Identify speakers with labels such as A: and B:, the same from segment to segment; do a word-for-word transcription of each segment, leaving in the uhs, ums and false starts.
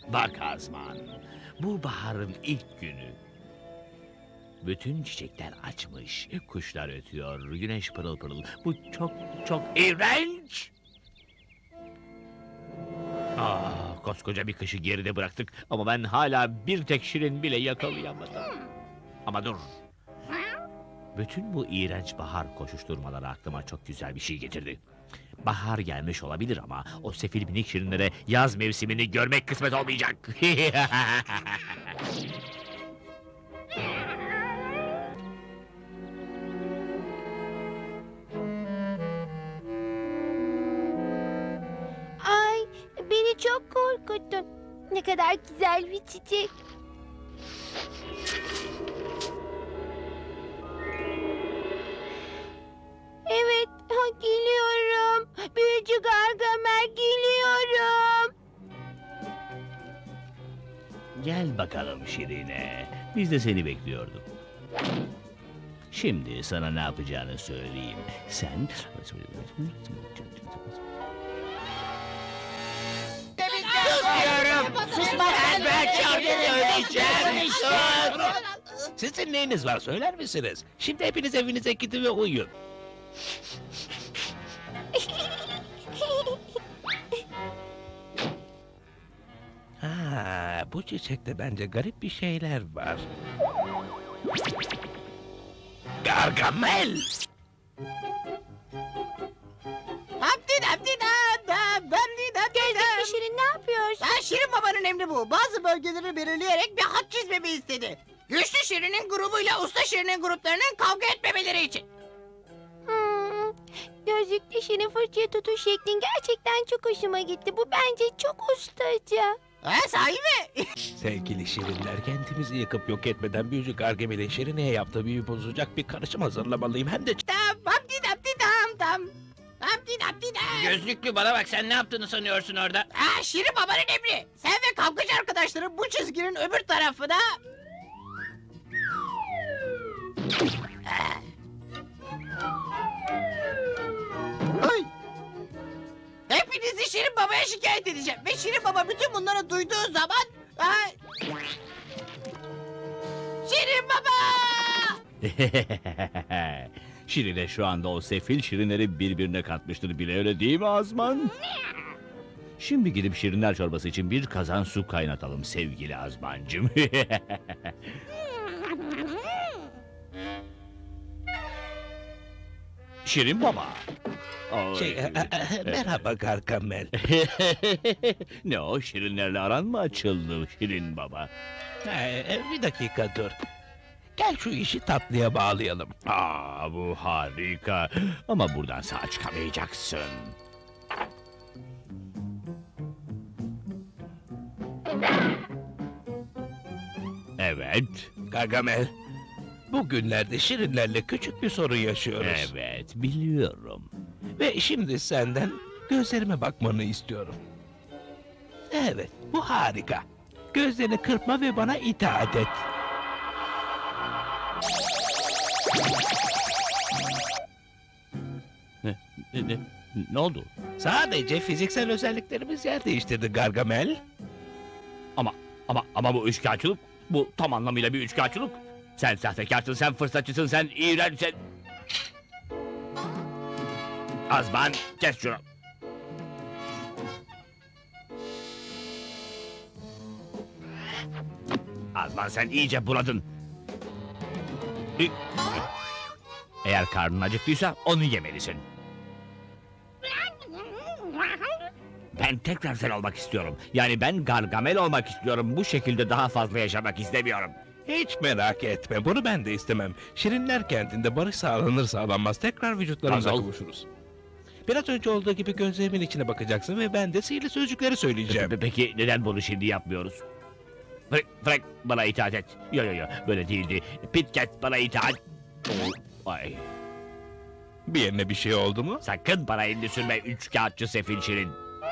A: Bak Azman, bu baharın ilk günü. Bütün çiçekler açmış, kuşlar ötüyor, güneş pırıl pırıl. Bu çok çok iğrenç. Ah, koskoca bir kışı geride bıraktık ama ben hala bir tek şirin bile yakalayamadım. Ama dur. Bütün bu iğrenç bahar koşuşturmaları aklıma çok güzel bir şey getirdi. Bahar gelmiş olabilir ama o sefil minik şirinlere yaz mevsimini görmek kısmet olmayacak.
B: Ay, beni çok korkuttun. Ne kadar güzel bir çiçek. Evet, ha, geliyorum. Büyücü Gargamel geliyorum.
A: Gel bakalım Şirine. Biz de seni bekliyorduk. Şimdi sana ne yapacağını söyleyeyim. Sen...
C: Ben ben şarkı söyleyeceğim.
D: Sizin neyiniz var söyler misiniz? Şimdi hepiniz evinize gidin ve uyuyun. Ha, bu çiçekte bence garip bir şeyler var. Gargamel!
B: Gözlüklü Şirin ne yapıyorsun?
C: Ha, Şirin Baba'nın emri bu. Bazı bölgeleri belirleyerek bir hat çizmemi istedi. Güçlü Şirin'in grubuyla Usta Şirin'in gruplarının kavga etmemeleri için.
B: Hmm, Gözlüklü Şirin fırçaya tutuş şeklin gerçekten çok hoşuma gitti. Bu bence çok ustaca.
C: Ha, sahi mi?
D: Sevgili şirinler, kendimizi yıkıp yok etmeden büyücü Gargamel'in Şirine'ye yaptığı büyü bozacak bir karışım hazırlamalıyım. Hem de
C: Tam, hamdi damdi dam tam. Hamdi damdi dam.
E: Gözlüklü bana bak, sen ne yaptığını sanıyorsun orada?
C: Ha, Şirin Baba'nın emri. Sen ve kavgacı arkadaşların bu çizginin öbür tarafına... Ah. Ay. Hepinizi Şirin Baba'ya şikayet edeceğim. Ve Şirin Baba bütün bunları duyduğu zaman... Ha... Şirin Baba!
A: Şirine şu anda o sefil şirinleri birbirine katmıştır bile, öyle değil mi Azman? Şimdi gidip şirinler çorbası için bir kazan su kaynatalım sevgili Azmancığım. Şirin baba. Ay.
D: şey, e, e, merhaba Gargamel.
A: Ne o, şirinlerle aran mı açıldı Şirin baba?
D: E, bir dakika dur. Gel şu işi tatlıya bağlayalım.
A: Aa, bu harika. Ama buradan sağ çıkamayacaksın. Evet,
D: Gargamel, bugünlerde şirinlerle küçük bir sorun yaşıyoruz.
A: evet biliyorum.
D: Ve şimdi senden gözlerime bakmanı istiyorum. Evet, bu harika. Gözlerini kırpma ve bana itaat et.
A: Ne, ne, ne, ne oldu?
D: Sadece fiziksel özelliklerimiz yer değiştirdi Gargamel.
A: Ama, ama, ama bu üçkağıtçılık, bu tam anlamıyla bir üçkağıtçılık. Sen sahtekarsın, sen fırsatçısın, sen iğrençsin. Azman, kes şunu. Azman, sen iyice buladın. Eğer karnın acıktıysa onu yemelisin. Ben tekrar sen olmak istiyorum. Yani ben Gargamel olmak istiyorum. Bu şekilde daha fazla yaşamak istemiyorum.
D: Hiç merak etme, bunu ben de istemem. Şirinler kentinde barış sağlanır sağlanmaz tekrar vücutlarımıza
A: Nasıl?
D: kavuşuruz. Biraz önce olduğu gibi gözlerimin içine bakacaksın ve ben de sihirli sözcükleri söyleyeceğim.
A: Pe- Peki neden bunu şimdi yapmıyoruz? Frank, Frank bana itaat et. Yo yo yo, böyle değildi. Pitcat bana itaat. Ay,
D: Bir yerine bir şey oldu mu?
A: sakın bana elini sürme üç kağıtçı sefil şirin.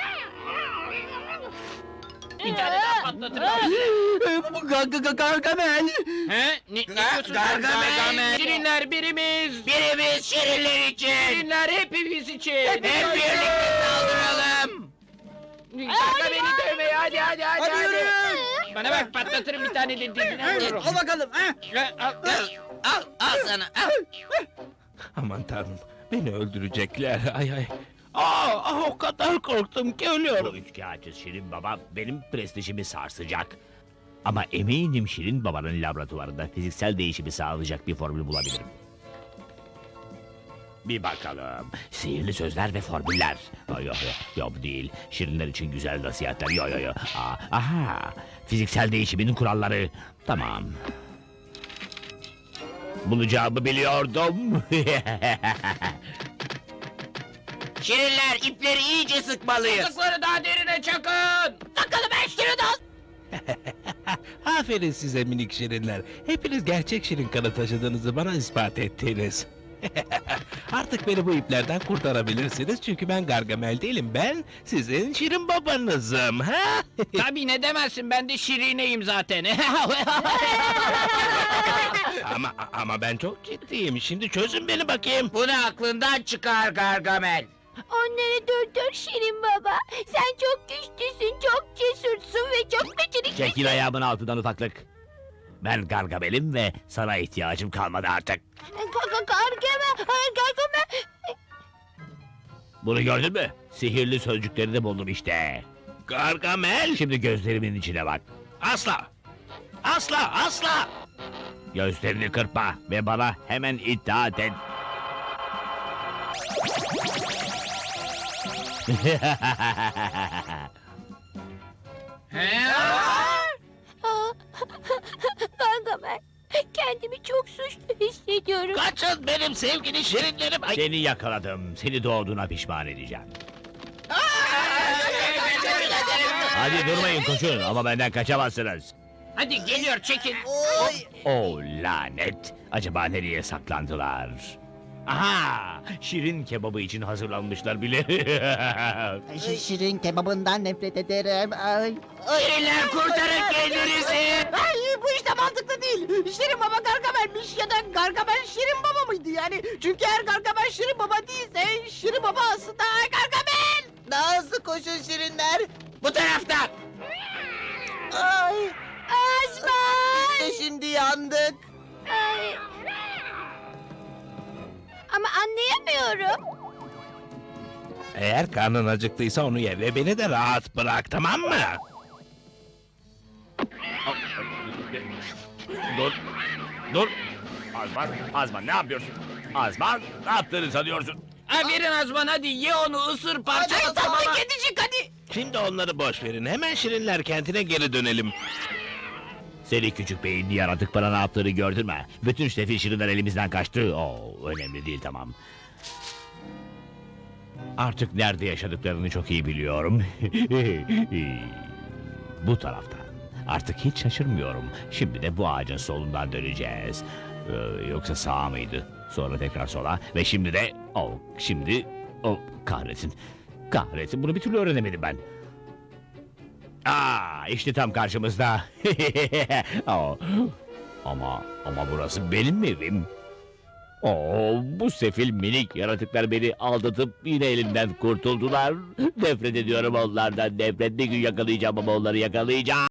E: Bir tane daha patlatırım.
D: Gargamel!
E: He? Ne, ne diyorsun sen?
C: Gargamel.
E: Şirinler birimiz.
C: Birimiz Şirinler için.
E: Şirinler hepimiz için.
C: Hep birlikte saldıralım.
E: Gargamel'i dövmeye hadi hadi hadi
C: Hadi
E: hadi.
C: yürü.
E: Bana bak patlatırım bir tane de dizine vururum.
C: Al bakalım. Ha?
E: Ha, al, al.
C: Al, al sana. Al.
D: Aman tanrım, beni öldürecekler. Ay ay. Aa, ah, o kadar korktum ki
A: Bu
D: ölüyorum.
A: üçkağıtçı Şirin Baba benim prestijimi sarsacak. Ama eminim Şirin Baba'nın laboratuvarında fiziksel değişimi sağlayacak bir formül bulabilirim. Bir bakalım. Sihirli sözler ve formüller. Yo yo yo, yo bu değil. Şirinler için güzel nasihatler. Yo yo yo. Aa, aha. Fiziksel değişimin kuralları. Tamam. Bulacağımı biliyordum.
C: Şirinler ipleri iyice sıkmalıyız.
E: Kazıkları daha derine çakın.
C: Bakalım ben Şirin al.
D: Aferin size minik şirinler. Hepiniz gerçek şirin kanı taşıdığınızı bana ispat ettiniz. Artık beni bu iplerden kurtarabilirsiniz çünkü ben Gargamel değilim. Ben sizin şirin babanızım. Ha?
E: Tabii ne demezsin ben de Şirine'yim zaten.
D: ama ama ben çok ciddiyim. Şimdi çözün beni bakayım.
C: Bunu aklından çıkar Gargamel.
B: Onları durdur Şirin Baba. Sen çok güçlüsün, çok cesursun ve çok beceriklisin.
A: Çekil ayağımın altından ufaklık. Ben Gargamel'im ve sana ihtiyacım kalmadı artık.
B: Gargamel, Gargamel.
A: Bunu gördün mü? Sihirli sözcüklerini buldum işte.
D: Gargamel.
A: Şimdi gözlerimin içine bak.
D: Asla. Asla asla.
A: Gözlerini kırpma ve bana hemen itaat et.
E: He?
B: Aa, Gargamel, kendimi çok suçlu hissediyorum.
D: Kaçın benim sevgili şirinlerim. Ay,
A: Seni yakaladım. Seni doğduğuna pişman edeceğim. Hadi durmayın koşun ama benden kaçamazsınız.
E: Hadi geliyor çekin.
C: Oy.
A: Oh lanet. Acaba nereye saklandılar? Aha! Şirin kebabı için hazırlanmışlar bile.
C: Ş- Şirin kebabından nefret ederim. Ay.
E: Şirinler kurtarın kendinizi.
C: Ay bu işte mantıklı değil. Şirin Baba Gargamel'miş ya da Gargamel Şirin Baba mıydı yani? Çünkü eğer Gargamel Şirin Baba değilse Şirin Baba aslında Gargamel. Daha hızlı koşun Şirinler.
E: Bu taraftan.
C: Ay.
B: Azman!
C: İşte şimdi yandık.
B: Ay. Ama anlayamıyorum.
D: Eğer karnın acıktıysa onu ye ve beni de rahat bırak, tamam mı?
A: Dur. Dur. Azman, Azman ne yapıyorsun? Azman, ne yaptığını sanıyorsun?
E: Ha, verin Azman hadi ye onu ısır parçala tamam.
C: kedicik hadi.
D: Şimdi onları boş verin. Hemen şirinler kentine geri dönelim.
A: Seni küçük beyinli yaratık bana ne yaptığını gördün mü? Bütün sefil şirinler elimizden kaçtı. Oo, önemli değil tamam. Artık nerede yaşadıklarını çok iyi biliyorum. Bu taraftan. Artık hiç şaşırmıyorum. Şimdi de bu ağacın solundan döneceğiz. Ee, yoksa sağa mıydı? Sonra tekrar sola ve şimdi de... Oh, şimdi... Oh, kahretsin. Kahretsin bunu bir türlü öğrenemedim ben. Aa, işte tam karşımızda. Oh, ama ama burası benim evim. Oo, bu sefil minik yaratıklar beni aldatıp yine elimden kurtuldular. Nefret ediyorum onlardan. Nefret bir gün yakalayacağım ama onları yakalayacağım.